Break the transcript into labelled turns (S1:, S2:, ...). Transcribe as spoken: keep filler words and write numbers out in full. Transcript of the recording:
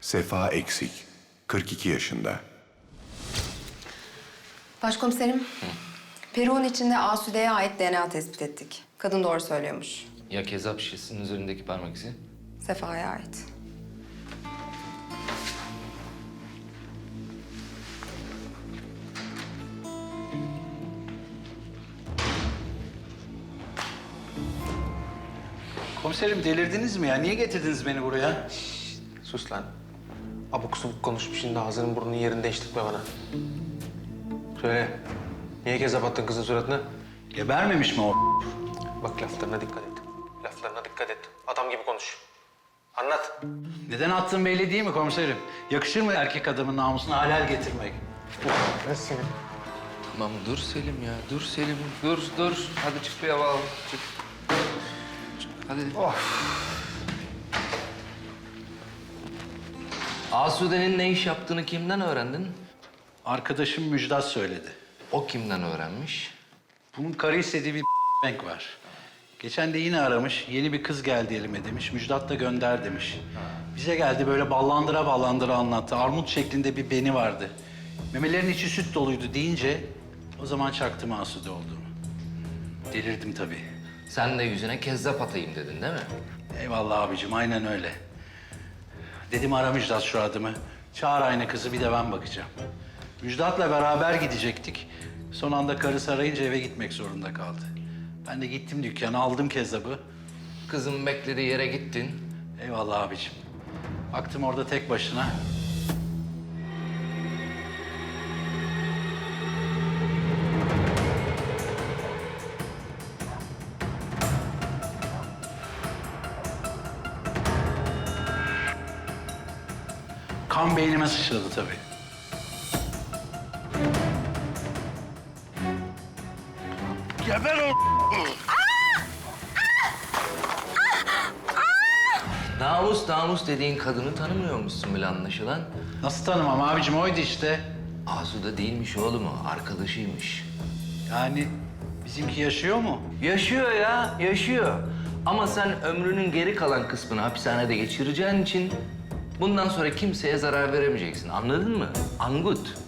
S1: Sefa Eksik, kırk iki yaşında.
S2: Başkomiserim, peruğun içinde Asude'ye ait D N A tespit ettik. Kadın doğru söylüyormuş.
S3: Ya kezap şişesinin üzerindeki parmak izi?
S2: Sefa'ya ait.
S4: Komiserim delirdiniz mi ya? Niye getirdiniz beni buraya?
S5: Sus lan. Abuk subuk konuşup şimdi ağzının burnunun yerini değiştirme bana. Söyle. Niye kezap attın kızın suratına?
S4: Gebermemiş mi o?
S5: Bak laflarına dikkat et. Laflarına dikkat et. Adam gibi konuş. Anlat.
S4: Neden attığın belli değil mi komiserim? Yakışır mı erkek adamın namusuna halel getirmek?
S3: Tamam dur Selim ya, dur Selim. Dur, dur. Hadi çık bir hava al. Çık. Çık, hadi. Asude'nin ne iş yaptığını kimden öğrendin?
S4: Arkadaşım Müjdat söyledi.
S3: O kimden öğrenmiş?
S4: Bunun karı istediği bir bank var. Geçen de yine aramış. Yeni bir kız geldi elime demiş. Müjdat da gönder demiş. Bize geldi böyle ballandıra ballandıra anlattı. Armut şeklinde bir beni vardı. Memelerin içi süt doluydu deyince o zaman çaktım Asude olduğumu. Delirdim tabii.
S3: Sen de yüzüne kezzap atayım dedin değil mi?
S4: Eyvallah abicim, aynen öyle. Dedim ara Müjdat şu adımı. Çağır aynı kızı, bir de ben bakacağım. Müjdat'la beraber gidecektik. Son anda karısı arayınca eve gitmek zorunda kaldı. Ben de gittim dükkana, aldım kezzabı.
S3: Kızın beklediği yere gittin.
S4: Eyvallah abicim. Baktım orada tek başına. Kan beynime sıçradı tabii. Geber o...
S3: Namus namus dediğin kadını tanımıyormuşsun bile anlaşılan.
S4: Nasıl tanımam abicim, oydu işte.
S3: Asude değilmiş oğlum o, arkadaşıymış.
S4: Yani bizimki yaşıyor mu?
S3: Yaşıyor ya, yaşıyor. Ama sen ömrünün geri kalan kısmını hapishanede geçireceğin için bundan sonra kimseye zarar veremeyeceksin. Anladın mı? Angut.